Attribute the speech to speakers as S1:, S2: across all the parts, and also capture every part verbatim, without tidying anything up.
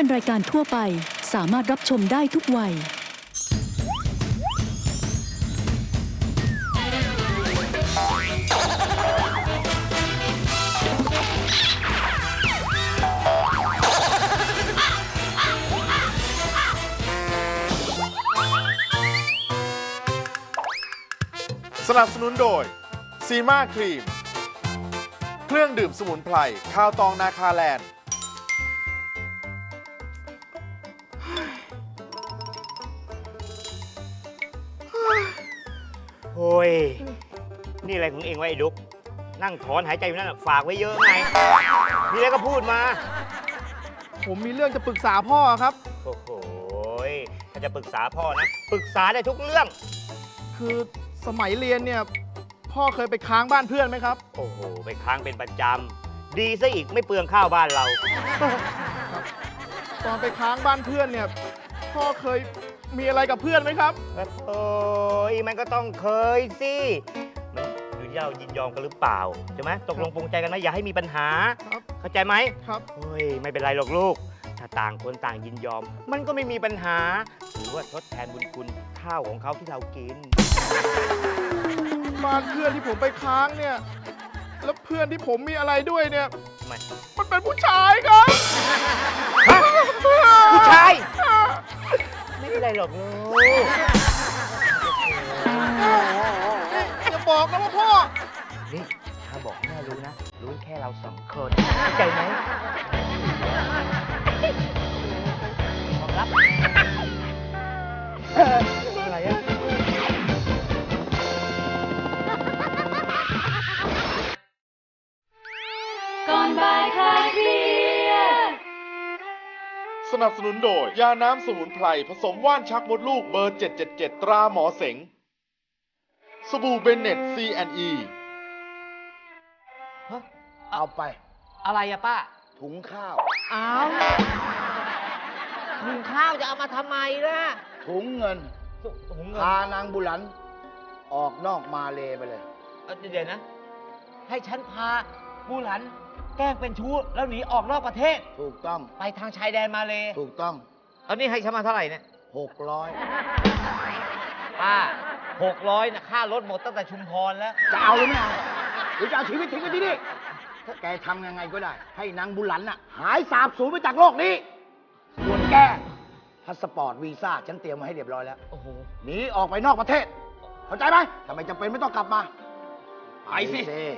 S1: เป็นรายการทั่วไปสามารถรับชมได้ทุกวัย
S2: สนับสนุนโดยซีมาครีมเครื่องดื่มสมุนไพรข้าวตองนาคาแลนด์
S3: โอ้ยนี่อะไรของเองวะไอ้ดุ๊กนั่งถอนหายใจอยู่นั่นฝากไว้เยอะไงมีอะไรก็พูดมา
S4: ผมมีเรื่องจะปรึกษาพ่อครับ
S3: โอ้โหถ้าจะปรึกษาพ่อนะปรึกษาได้ทุกเรื่อง
S4: คือสมัยเรียนเนี่ยพ่อเคยไปค้างบ้านเพื่อนไหมครับ
S3: โอ้โหไปค้างเป็นประจำดีซะอีกไม่เปลืองข้าวบ้านเรา
S4: ตอนไปค้างบ้านเพื่อนเนี่ยพ่อเคยมีอะไรกับเพื่อนไหมครับ
S3: โอ้ยมันก็ต้องเคยสิมันอยู่ที่เรายินยอมกันหรือเปล่าใช่ไหมตกลงปรงใจกันไหมอย่าให้มีปัญหาเข้าใจไหม
S4: ครับ
S3: เฮ้ยไม่เป็นไรหรอกลูกถ้าต่างคนต่างยินยอมมันก็ไม่มีปัญหาถือว่าทดแทนบุญคุณข้าวของเขาที่เรากิน
S4: บ้านเพื่อนที่ผมไปค้างเนี่ยแล้วเพื่อนที่ผมมีอะไรด้วยเนี่ย
S3: ทำไม
S4: มันเป็นผู้ชายครับ
S3: ผู้ชายไม่เป็นไรหรอกลูก
S4: อย่าบอกนะว่าพ่อ
S3: นี่ถ้าบอกแม่รู้นะรู้แค่เราสองคนเข้าใจไหมบอกรับอะไรอะ
S1: ก่อนบ่ายคลายเครียด
S2: สนับสนุนโดยยาน้ำสมุนไพรผสมว่านชักมดลูกเบอร์เจ็ดเจ็ดเจ็ดตราหมอเสงสบู่เบนเน็ต ซี แอนด์ อี
S5: เอาไป
S3: อะไรอะป้า
S5: ถุงข้าว
S3: อ้าวถุงข้าวจะเอามาทำไมล่ะ
S5: ถุงเงิน
S3: ถุงเงิน
S5: พานางบุหลันออกนอกมาเลไปเลย
S3: เดี๋ยวนะให้ฉันพาบุหลันแกล้งเป็นชู้แล้วหนีออกนอกประเทศ
S5: ถูกต้อง
S3: ไปทางชายแดนมาเล
S5: ถูกต้อง
S3: ตอนนี้ให้ฉันมาเท่าไหร่เนี่ย
S5: หกร้อย
S3: ป้าหกร้อยนะค่ารถหมดตั้งแต่ชุมพรแล้ว
S5: จะเอาหรือไม่เอาหรือจะเอาชีวิตทิ้งไว้ที่นี่ถ้าแกทำยังไงก็ได้ให้นางบุหลันน่ะหายสาบสูญไปจากโลกนี้ส่วนแกพาสปอร์ตวีซ่าฉันเตรียมมาให้เรียบร้อยแล้ว
S3: โอ้โห
S5: หนีออกไปนอกประเทศเข้าใจไหมทำไมจำเป็นไม่ต้องกลับมา
S3: ไปสิ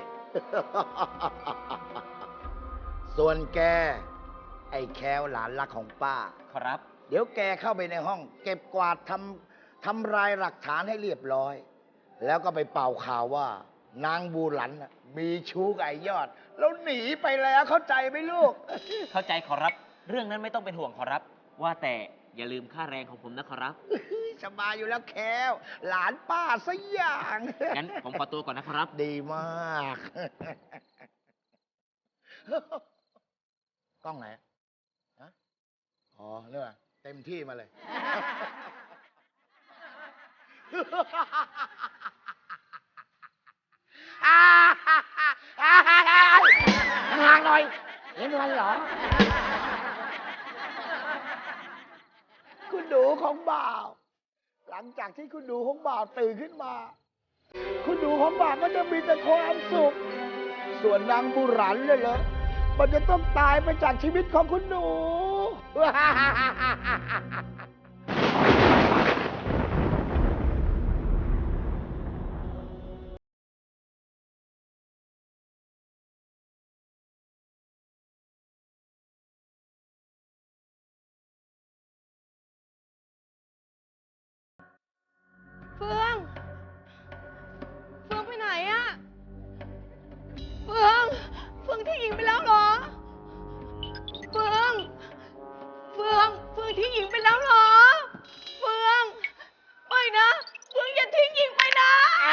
S5: ส่วนแกไอ้แควหลานรักของป้า
S3: ครับ
S5: เดี๋ยวแกเข้าไปในห้องเก็บกวาดทำทำลายหลักฐานให้เรียบร้อยแล้วก็ไปเป่าข่าวว่านางบูหลันมีชู้กับไอ้ยอดแล้วหนีไปแล้วเข้าใจไหมลูก
S3: เข้าใจขอรับเรื่องนั้นไม่ต้องเป็นห่วงขอรับว่าแต่อย่าลืมค่าแรงของผมนะขอรับ
S5: สบายอยู่แล้วแควหลานป้าซะอย่าง
S3: งั้นผมขอตัวก่อนนะขอรับ
S5: ดีมากกล้องไหนฮะอ๋อเรื่องเต็มที่มาเลยห่างหน่อยเห็นอะไรเหรอคุณดูของบ่าวหลังจากที่คุณดูของบ่าวตื่นขึ้นมาคุณดูของบ่าวก็จะมีแต่ความสุขส่วนนางบุหรันเลยเหรอมันจะต้องตายไปจากชีวิตของคุณหนู
S6: เฟืองเฟืองไปไหนอะเฟืองเฟืองทิ้งหญิงไปแล้วเหรอเฟืองเฟืองเฟืองทิ้งหญิงไปแล้วเหรอเฟืองไม่นะเฟืองอย่าทิ้งหญิงไปนะ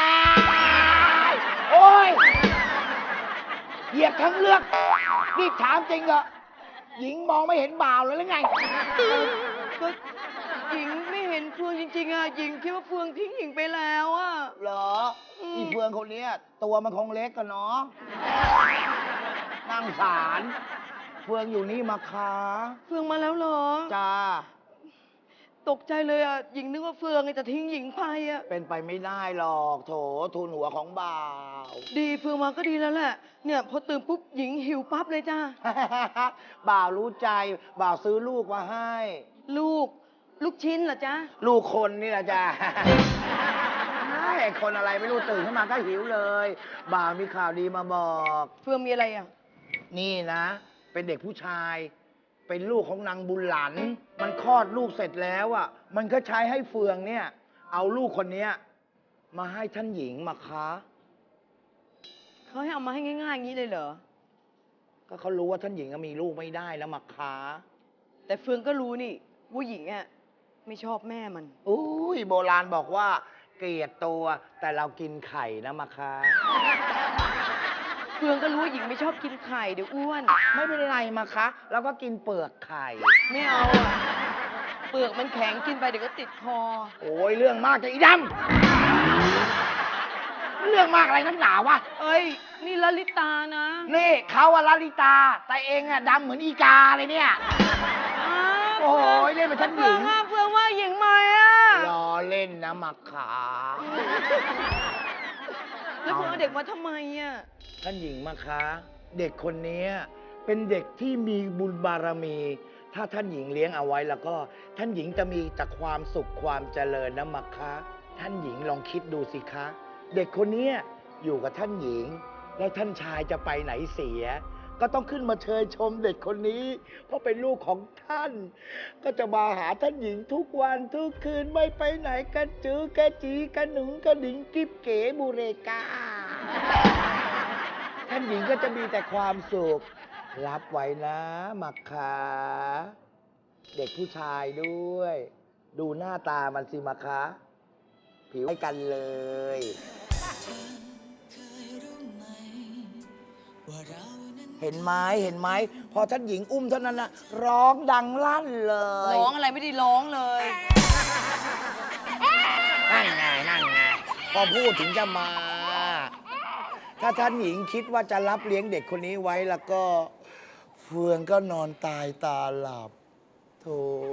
S5: โอ้ยเหยียดทั้งเลือกนี่ถามจริงเหรอหญิงมองไม่เห็นบ่าวเลยหรือไง
S6: ก็หญิงไม่เห็นเฟืองจริงๆอะหญิงคิดว่าเฟืองทิ้งหญิงไปแล้วอะ
S5: เหรออีเฟืองคนนี้ตัวมันคงเล็กกันเนาะนั่งสารเฟืองอยู่นี่มาคะ
S6: เฟืองมาแล้วเหรอ
S5: จ้า
S6: ตกใจเลยอ่ะ หญิงนึกว่าเฟืองจะทิ้งหญิงไปอ่ะ
S5: เป็นไปไม่ได้หรอกโถทูลหัวของบ่าว
S6: ดีเฟืองมาก็ดีแล้วแหละ เนี่ยพอตื่นปุ๊บหญิงหิวปั๊บเลยจ้า
S5: บ่าวรู้ใจ บ่าวซื้อลูกมาให้
S6: ลูก ลูกชิ้นเหรอจ๊ะ
S5: ลูกคนนี่แหละจ้า ไอ้คนอะไรไม่รู้ตื่นขึ้นมาก็หิวเลย บ่าวมีข่าวดีมาบอก
S6: เฟืองมีอะไรอ่ะ
S5: นี่นะ เป็นเด็กผู้ชาย เป็นลูกของนางบุญหลัน มันคลอดลูกเสร็จแล้วอ่ะ มันก็ใช้ให้เฟืองเนี่ย เอาลูกคนเนี้ยมาให้ท่านหญิงมาคะ
S6: เขาให้เอามาให้ง่ายๆอย่างนี้เลยเหรอ
S5: ก็เขารู้ว่าท่านหญิงก็มีลูกไม่ได้แล้วมาคะ
S6: แต่เฟืองก็รู้นี่ว่าหญิงอ่ะไม่ชอบแม่มัน
S5: อุ้ยโบราณบอกว่า เกลียดตัวแต่เรากินไข่นะมาคะ
S6: เฟืองก็รู้ว่าหญิงไม่ชอบกินไข่เดี๋ยวอ้วน
S5: ไม่เป็นไรมาคะเราก็กินเปลือกไข่
S6: ไม่เอาอ่ะ เปลือกมันแข็งกินไปเดี๋ยวก็ติดคอ
S5: โอ้ยเรื่องมากจะอีดำเรื่องมากอะไรนักหนาวะ
S6: เอ้ย นี่ลลิตานะ
S5: นี่เขาอะลลิตา แต่เองอะดำเหมือนอีกาเลยเนี่ย
S6: อ้าว
S5: โอ้ยเล่นเป็นท่านห
S6: เฟื
S5: ญิ
S6: อง
S5: ง
S6: ว่าเฟืองว่าหญิงไหมอ่ะ
S5: ล้อเล่นนะมักขา
S6: แล้วเฟืองเอาเด็กมาทำไมอ่ะ
S5: ท่านหญิงมาคะ เด็กคนนี้เป็นเด็กที่มีบุญบารมี ถ้าท่านหญิงเลี้ยงเอาไว้แล้วก็ ท่านหญิงจะมีแต่ความสุขความเจริญนะมักคะ ท่านหญิงลองคิดดูสิคะ เด็กคนนี้อยู่กับท่านหญิง แล้วท่านชายจะไปไหนเสีย ก็ต้องขึ้นมาเชยชมเด็กคนนี้ เพราะเป็นลูกของท่าน ก็จะมาหาท่านหญิงทุกวันทุกคืนไม่ไปไหนกันจื้อกระจีกระหนุงกระดิ่งกิ๊บเก๋บูเรกา ท่านหญิงก็จะมีแต่ความสุข รับไว้นะมักขาเด็กผู้ชายด้วย ดูหน้าตามันสิมักขาผิวให้กันเลย เห็นไหมเห็นไหมพอท่านหญิงอุ้มเท่านั้นนะร้องดังลั่นเลย
S6: ร้องอะไรไม่ได้ร้องเลย
S5: นั่นไงนั่นไงพอพูดถึงจะมา ถ้าท่านหญิงคิดว่าจะรับเลี้ยงเด็กคนนี้ไว้แล้วก็ เฟืองก็นอนตายตาหลับโถ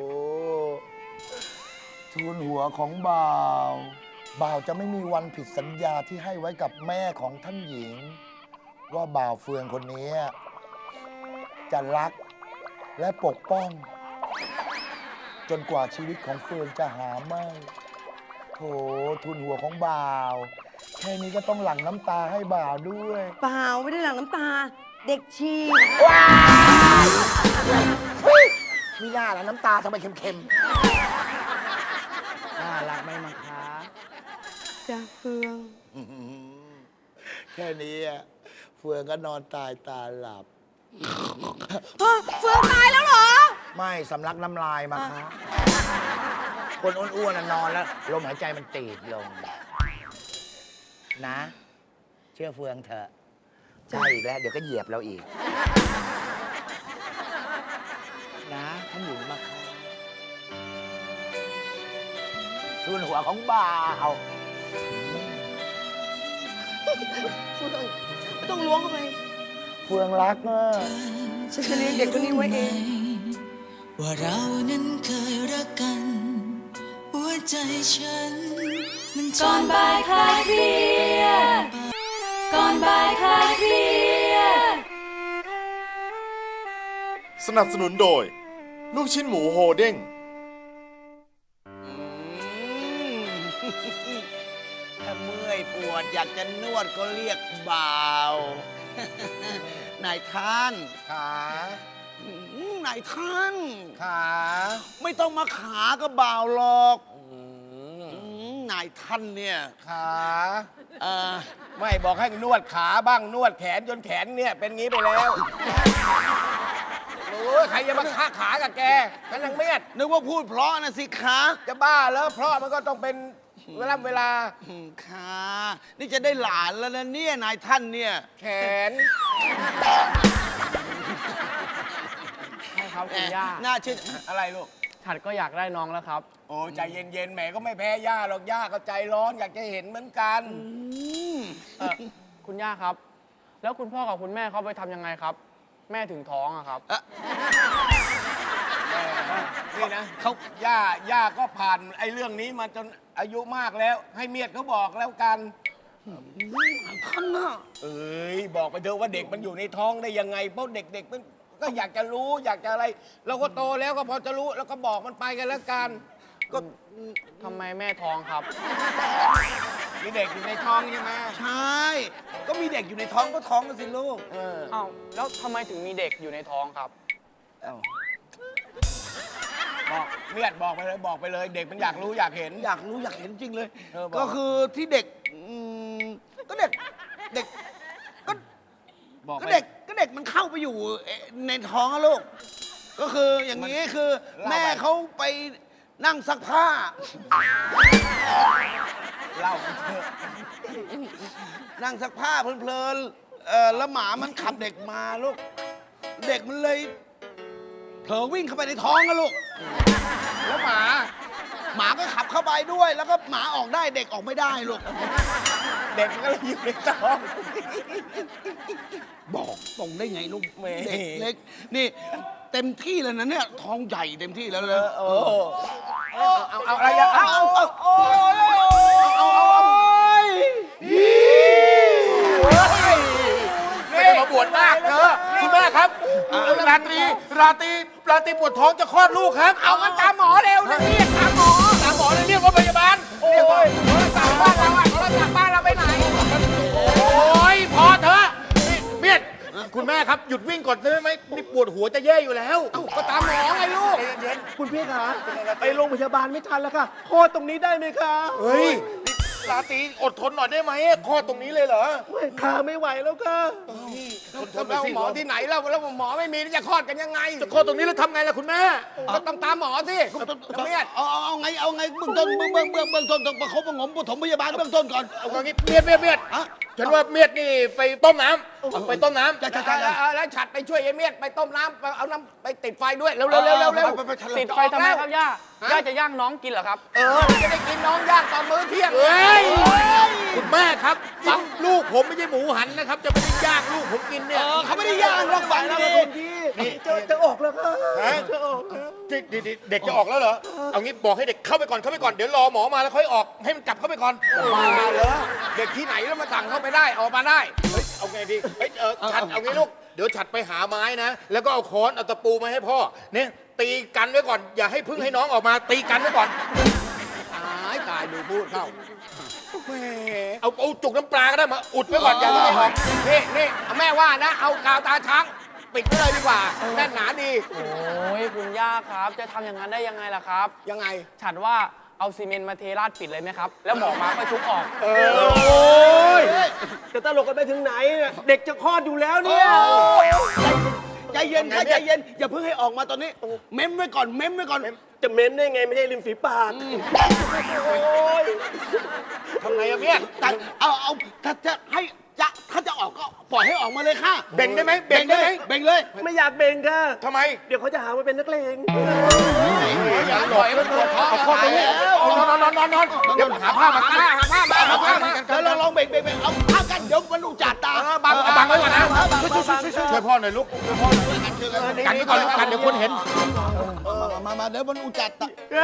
S5: ทูลหัวของบ่าว บ่าวจะไม่มีวันผิดสัญญาที่ให้ไว้กับแม่ของท่านหญิง ว่าบ่าวเฟืองคนนี้จะรักและปกป้อง จนกว่าชีวิตของเฟืองจะหาไม่โถทุนหัวของบ่าว แค่นี้ก็ต้องหลั่งน้ำตาให้บ่าวด้วย
S6: เปล่าไม่ได้หลั่งน้ำตา เด็กชี
S5: ว้าวเฮ้ยมีหน้าแล้วน้ำตาทำไมเค็มๆ น่ารักไหมมังคะ
S6: จ้าเฟือง
S5: อื้อหือแค่นี้อะเฟืองก็นอนตายตาหลับ
S6: ฮะเฟืองตายแล้วเหรอ
S5: ไม่สำลักน้ำลายมาคะคนอ้วนๆน่ะนอนแล้ว ลมหายใจมันตีบลง นะ เชื่อเฟืองเถอะใช่อีกแล้ว เดี๋ยวก็เหยียบเราอีก นะท่านหญิงมาค่ะทุนหัวของบ่าว
S6: เฟืองไม่ต้องล้วงเข้าไป
S5: เฟืองรักเนอะ
S6: ฉันจะเลี้ยงเด็กคนนี้ไว้เอง
S7: ว่าเรานั้นเคยรักกัน หัวใจฉันมัน
S1: ก่อนบ่ายคลายเครียดก่อนบ่ายคลายเครียด
S2: สนับสนุนโดย ลูกชิ้นหมูโฮเด้ง
S5: ถ้าเมื่อยปวดอยากจะนวดก็เรียกบ่าว นายท่านขาอืมนายท่านขาไม่ต้องมาขาก็บ่าวหรอกอืมนายท่านเนี่ยขาเออไม่บอกให้นวดขาบ้างนวดแขนจนแขนเนี่ยเป็นงี้ไปแล้วโอ้ยใครจะมาฆ่าขากับแกกันนังเมียดนึกว่าพูดเพราะนะสิคะจะบ้าแล้วเพราะมันก็ต้องเป็นเวลาเวลาค่ะนี่จะได้หลานแล้วนะเนี่ยนายท่านเนี่ยแขน
S8: ใช่ครับคุณย่า
S5: น่าเชื่ออะไรลูก
S8: ฉันก็อยากได้น้องแล้วครับ
S5: โอ้ใจเย็นๆแหมก็ไม่แพ้ย่าหรอกย่าก็ใจร้อนอยากจะเห็นเหมือนกัน
S8: เออคุณย่าครับ แล้วคุณพ่อกับคุณแม่เขาไปทำยังไงครับแม่ถึงท้องอะครับ
S9: นี่นะเขาย่าย่าก็ผ่านไอ้เรื่องนี้มาจนอายุมากแล้ว ให้เมียเขาบอกแล้วกัน
S5: ท่านน่ะ
S9: เอ้ยบอกไปเถอะว่าเด็กมันอยู่ในท้องได้ยังไงเพราะเด็กๆมันก็อยากจะรู้อยากจะอะไร เราก็โตแล้วก็พอจะรู้แล้วก็บอกมันไปกันแล้วกันก็
S8: ทำไมแม่ท้องครับ
S9: มีเด็กอยู่ในท้องใช่ไหม
S5: ใช่ ก็มีเด็กอยู่ในท้องก็ท้องกันสิลูก
S9: เออ
S8: อ้าว แล้วทำไมถึงมีเด็กอยู่ในท้องครับ
S5: เอ้า
S9: บอกเมียดบอกไปเลยบอกไปเลย เด็กมันอยากรู้อยากเห็น
S5: อยากรู้อยากเห็นจริงเลย
S9: เออบอก
S5: ก็คือที่เด็กอืมก็เด็กเด็กก็
S9: บอก
S5: ก็
S9: ไป
S5: เด็กก็เด็กมันเข้าไปอยู่เอ่อในท้องอะลูก ก็คืออย่างนี้คือ แม่เขาไปนั่งซักผ้า
S9: เล่าไปเถอะ
S5: นั่งซักผ้าเพลินๆเอ่อแล้วหมามันขับเด็กมาลูก เด็กมันเลยเผลอวิ่งเข้าไปในท้องอะลูก แล้วหมา หมาก็ขับเข้าไปด้วย แล้วก็หมาออกได้เด็กออกไม่ได้ลูก
S9: เด็กมันก็เลยอยู่ในท้อง
S5: บอกตรงได้ไงลูก
S9: แหม
S5: เด็กเล็ก นี่เต็มที่แล้วนะเนี่ยท้องใหญ่เต็มที่แล้วเลย
S9: เออเอาเอาเอาอะไรอ่ะเอาเอาเอาเอา
S5: เอาเอาเอา
S2: ไม่ได้มาบวชนาคเธอคุณแม่ครับราตรีราตรีราตรีปวดท้องจะคลอดลูกครับ
S9: เอางั้นตามหมอเร็วนะเรียกตามหมอ
S2: ตามหมอเลยเรียกว่าพยาบาล
S9: โอ้ยโทรศัพท์บ้านเราอะโทรศัพท์บ้านเราไปไหน
S2: โอ้ยพอเถอะนี่เมียดคุณแม่ครับหยุดวิ่งก่อนได้ไหมนี่ปวดหัวจะแย่อยู่แล้ว
S9: ก็ตามหมอไงลูก
S2: เย็น
S4: คุณพี่คะไปโรงพยาบาลไม่ทันแล้วค่ะคลอดตรงนี้ได้ไหมคะ
S2: ๆเฮ้ยนี่ราตรีอดทนหน่อยได้ไหมคลอดตรงนี้เลยเหรอ
S4: ไม่ขาไม่ไหวแล้วค่ะ
S2: ทนทนไป
S9: แล้ว
S2: สิ
S9: หมอที่ไหนแล้วแล้วหมอไม่มีจะคลอดกันยังไง
S2: จะคลอดตรงนี้แล้วทำไงล่ะคุณแม่
S9: ก็ต้องตามหมอสิเมียด
S5: เอาเอาเอาไงเอาไงเบื้องต้นเบื้องเบื้องเบื้องเบื้องต้นต้องประคบประหงมปฐมพยาบาลเบื้องต้นก่อน
S2: เอางี้เมียดเมียดเมียด
S5: อะ
S2: ฉันว่าเมียดนี่ไปต้มน้ำไปต้มน้ำ
S5: จะจะจะ
S9: แล้วแล้วฉัดไปช่วยไอ้เมียดไปต้มน้ำไปเอาน้ำไปติดไฟด้วยเร็วเร็วเร็วเร็วเร็ว
S5: ไปไปไป
S8: ติดไฟทำไมครับย่า ย่าจะย่างน้องกินเหรอครับ
S9: เออจะได้กินน้องย่างตอนมื้อเที่ยง
S2: เฮ้ยคุณแม่ครับฟังลูกผมไม่ใช่หมูหันนะครับ จะไม่ได้ย่างลูกผมกินเนี่ย
S5: เออเขาไม่ได้ย่างหรอกฝังดี
S2: นี่
S4: จะจะออกแล้วค่ะ
S2: ฮะ
S4: จะออกแล้ว
S2: เด็กเด็กเด็กจะออกแล้วเหรอ เอางี้บอกให้เด็กเข้าไปก่อนเข้าไปก่อนเดี๋ยวรอหมอมาแล้วค่อยออกให้มันกลับเข้าไปก่อน
S9: มาเหรอเด็กที่ไหนแล้วมาสั่งเข้าไปได้ออกมาได้
S2: เฮ้ยเอาไงดีเฮ้ยเออฉัดเอางี้ลูกเดี๋ยวฉัดไปหาไม้นะ แล้วก็เอาค้อนเอาตะปูมาให้พ่อเนี่ยตีกันไว้ก่อน อย่าให้พึ่งให้น้องออกมาตีกันไว้ก่อน
S9: ตายตายดูพูดเข้าแหม
S2: เอาเอาจุกน้ำปลาก็ได้มาอุดไว้ก่อนอย่าให้ออก
S9: นี่นี่แม่ว่านะ เอากาวตาช้างปิดไว้เลยดีกว่าแน่นหนาดี
S8: โอ้ยคุณย่าครับ จะทำอย่างนั้นได้ยังไงล่ะครับ
S9: ยังไง
S8: ฉันว่าเอาซีเมนต์มาเทราดปิดเลยไหมครับ แล้วหมอมาก็ทุบออก
S4: โอ้ยจะตลกกันไปถึงไหนเนี่ยเด็กจะคลอดอยู่แล้วเนี่ย
S5: ใจเย็นค่ะใจเย็นอย่าเพิ่งให้ออกมาตอนนี้ เม้มไว้ก่อนเม้มไว้ก่อน
S4: จะเม้นได้ไงไม่ใช่ริมฝีปากโอ้ย
S2: ทำไงอะเมีย
S5: แต่เอาเอาถ้าจะให้จะถ้าจะออกก็ปล่อยให้ออกมาเลยค่ะ
S2: เบ่งได้ไหมเบ่งได้ไหม
S5: เบ่งเลย
S4: ไม่อยากเบ่งค่ะ
S2: ทำไม
S4: เดี๋ยวเขาจะหาว่าเป็นนักเลง
S2: อย่าหลอกมันปวดท้องเอาข้อตรงนี้นอนนอนนอนนอนเดี๋ยวหาผ้ามากันหาผ้ามาหาผ้ามา
S5: เดี๋ยวเราลองเบ่งเบ่งเบ่งเอาข้ากันเดี๋ยวมันอุจจาตา
S2: บังเอาบังไว้ก่อนนะช่วยพ่อหน่อยลูกช่วยพ่อหน่อยกันไว้ก่อนลูกกันเดี๋ยวคนเห็น
S5: มามามาเดี๋ยวมันอุจจาตา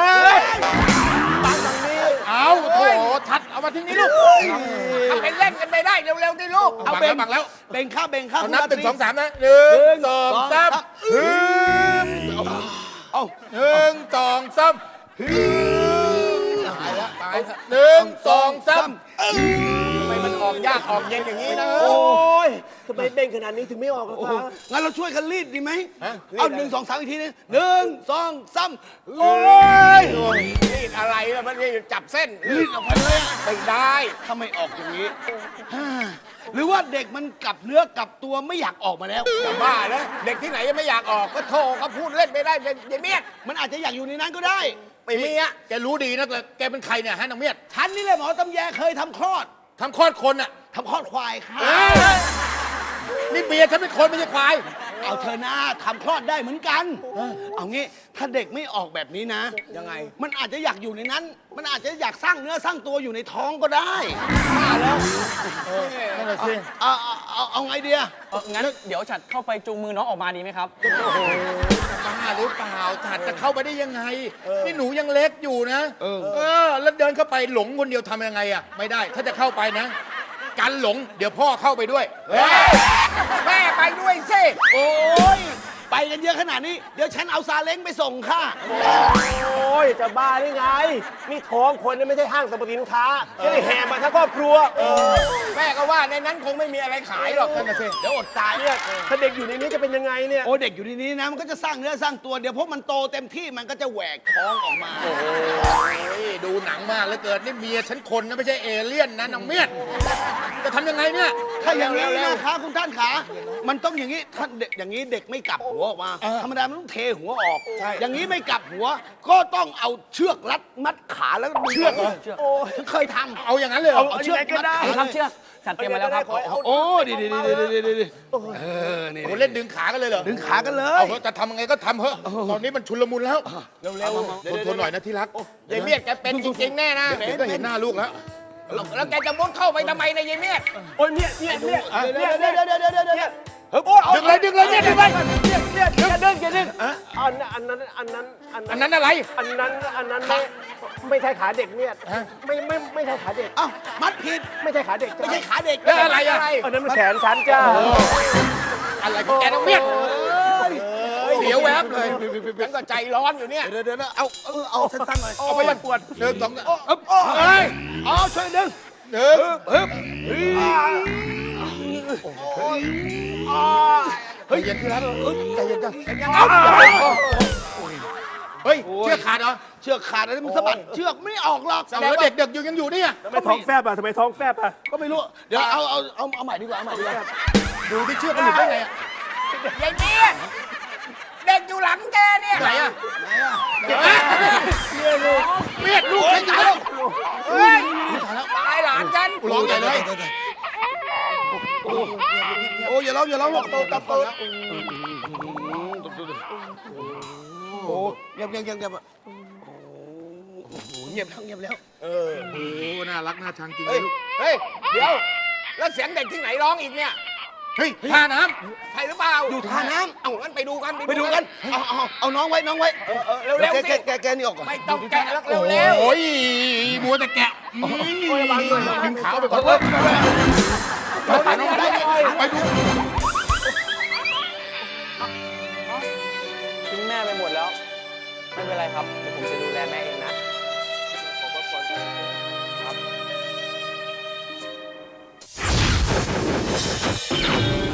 S2: เอาโถชัดเอามาทิ้งนี่ลูก
S9: ทำเป็นเล่นกันไปได้เร็วๆดิลูก
S2: เอาเบ่งบังแล้ว
S5: เบ่งข้าเบ่งข้า
S2: เอานับหนึ่งสองสามนะหนึ่งสองสามฮึม
S5: เอา
S2: หนึ่งสองสามฮึมตายแล้วตายหนึ่งสองสาม
S9: ทำไมมันออกยากออกเย็นอย่างนี้นะ
S4: โอ้ยทำไมเบ่งขนาดนี้ถึงไม่ออกอะคะ
S5: งั้นเราช่วยกันรีดดีไหม
S2: ฮะ
S5: เอาหนึ่งสองสามอีกทีนึงหนึ่งสองสามโอ้ย
S9: รีดอะไรอะมันรีดจับเส้น
S5: รีดออกไปเลยอะ
S9: ไม่ได้
S5: ถ้าไม่ออกอย่างนี้ฮ่าหรือว่าเด็กมันกลับเนื้อกลับตัวไม่อยากออกมาแล้ว
S9: จะบ้าแล้วเด็กที่ไหนยังไม่อยากออกก็โทรก็พูดเล่นไม่ได้เด็กเมียด
S5: มันอาจจะอยากอยู่ในนั้นก็ได้
S9: ไม่มีอะ
S2: แกรู้ดีนะแต่แกเป็นใครเนี่ยฮะนางเมียด
S5: ฉันนี่แหละหมอตำแยเคยทำคลอด
S2: ทำคลอดคนอ่ะ
S5: ทำคลอดควายค่ะ
S2: เอ้ยนี่เมียฉันเป็นคนไม่ใช่ควาย
S9: โ
S5: เอาเธอหน้าทำคลอดได้เหมือนกัน เอางี้ถ้าเด็กไม่ออกแบบนี้นะ
S9: ยังไง
S5: มันอาจจะอยากอยู่ในนั้น มันอาจจะอยากสร้างเนื้อสร้างตัวอยู่ในท้องก็ได้
S9: นั่นแหละสิ
S5: เอาเอาเอาเอาไงเดีย
S8: เอองั้นเดี๋ยวฉัดเข้าไปจูงมือน้องออกมาดีไหมครับ
S2: บ้าหรือเปล่าฉัดจะเข้าไปได้ยังไง นี่หนูยังเล็กอยู่นะ เออ แล้วเดินเข้าไปหลงคนเดียวทำยังไงอ่ะ ไม่ได้ ถ้าจะเข้าไปนะ กันหลง เดี๋ยวพ่อเข้าไปด้วย
S9: แม่ไปด้วยสิ
S5: โอ้ยไปกันเยอะขนาดนี้ เดี๋ยวฉันเอาซาเล้งไปส่งค่ะ
S10: โอ้ย จะบ้าได้ไง นี่ท้องคนนี่ไม่ใช่ห้างสรรพสินค้าจะได้แห่มาทั้งครอบครัว
S9: แม่ก็ว่าในนั้นคงไม่มีอะไรขายหรอกนั่นน่ะสิเดี๋ยวอดตาย
S10: เนี่ยถ้าเด็กอยู่ในนี้จะเป็นยังไงเนี่ย
S5: โอ้เด็กอยู่ในนี้นะมันก็จะสร้างเนื้อสร้างตัวเดี๋ยวพอมันโตเต็มที่มันก็จะแหวกท้องออกมา
S2: โอ้ยดูหนังมากแล้วเกิดนี่เมียฉันคนนะไม่ใช่เอเลี่ยนนะน้องเมียดจะทำยังไงเนี่ย
S5: ถ้าอย่างนี้นะคะคุณท่านขามันต้องอย่างนี้ถ้าเด็กอย่างนี้เด็กไม่กลับหัวออกมาธรรมดามันต้องเทหัวออก อย่างนี้ไม่กลับหัว ก็ต้องเอาเชือกรัดมัดขาแล้วก็ดึง
S2: เชือกเหรอ
S5: โอ้ฉันเคยทำ
S2: เอาอย่างนั้นเลยเหรอ
S5: เอาเชือกมัดขา
S8: นี่ครับเชือกฉัดเตรียมมาแล้วครับ
S5: โอ้ดีดีดีดีดีดีเออนี่
S2: โอ้เล่นดึงขากันเลยเหรอ
S5: ดึงขากันเล
S2: เอา
S5: ย
S2: เถอะจะทำยังไงก็ทำเถอะตอนนี้มันชุลมุนแล้ว
S9: เร็ว
S2: ทนทนหน่อยนะที่รัก
S9: ๆยายเมียดแกเป็นจริงๆแน่นะ
S2: เดี๋ยวก็เห็นหน้าลูกแล้ว
S9: แล้วแกจะมุดเข้าไปทำไมในยยายเมียด
S10: โอ้ยเนี่ยเนี่ยเนี่ย
S5: เดี๋ยวเดี๋ยวเดี๋ยวเดี๋ยวเดี๋ยวเดี๋ยว
S2: ดึงเลยดึงเลยเนี่ยดึงเลย
S10: เนี่ยเนี่ยอย่าดึงอย่าดึงอันอันนั้นอันนั้นอัน
S2: อัน
S10: นั้น
S2: นั้นอะไร
S10: อันนั้นอันนั้นไม่ไม่ใช่ขาเด็กเนี่ยไม่ไม่ไม่ใช่ขาเด็ก
S5: เอ้ามัดผิด
S10: ไม่ใช่ขาเด็ก
S5: ไม่ใช่ขาเด็ก
S2: แล้วอะไรอะ
S10: อันนั้นมันแขนฉันจ้า
S2: อะไรของแกน้องเมียดเสียวแวบเลย
S9: ฉันก็ใจร้อนอยู่เนี่ย
S5: เดี๋ยวเดี๋ยวเอาเอาเอาสั้นๆหน่อย
S2: เอาไปมันปวดหนึ่งสอง
S5: เอ้ยเอาช่วยดึง
S2: หนึ่ง ใจเย็นที่รักใจเย็นจังเฮ้ยเชือกขาดเหรอ
S5: เชือกขาดอะไรมันสะบัดเชือกไม่ออกหรอก
S2: เอาแล้วเด็กๆอยู่ยังอยู่เนี่ย
S10: ทำไมท้องแฟบอ่ะทำไมท้องแฟบอ่ะ
S5: ก็ไม่รู้ เดี๋ยวเอาเอาเอาเอาใหม่ดีกว่าเอาใหม่ดีกว่า
S2: ดูที่เชือกมันหลุดได้ไงอะ
S9: ยายเมียดเด็กอยู่หลังแกเนี่ย
S2: ไหนอะ
S5: ไหนอ่ะ
S2: เมียลูกเมียลูกใช่ไหม
S9: เฮ้ยตายหลานฉัน
S2: ร้องใหญ่เลย
S5: โอ้ยอย่าร้องอย่าร้องหรอก
S9: โตกับโต
S5: โอ้เงียบเงียบเงียบเงียบโอ้โหเงียบแล้วเงียบแล้ว
S2: โอ้น่ารักน่าชังจริงเล
S9: เฮ้ย
S2: ยลูก
S9: เฮ้ยเดี๋ยวแล้วเสียงเด็กที่ไหนร้องอีกเนี่ย
S2: เฮ้ยท่าน้
S9: ใช่หรือเปล่า
S5: อยู่ท่าน้
S9: เอางั้นไปดูกัน
S5: ำไปดูกัน เอาเอาเอาน้องไว้น้องไว้
S9: เออเออเร็วๆ
S5: แก
S9: สิ
S5: แกแกนี่ออกก่อน
S9: ไม่ต้องแกะแล้ว
S2: ำ
S9: เร็วๆ
S2: โอ้ยมัวแต่แกะดึงขาไปก่อนขาน้องไปไปดู
S8: ทิ้งแม่ไปหมดแล้ว ไม่เป็นไรครับ เดี๋ยวผมจะดูแลแม่เองนะ ขอบคุณครับ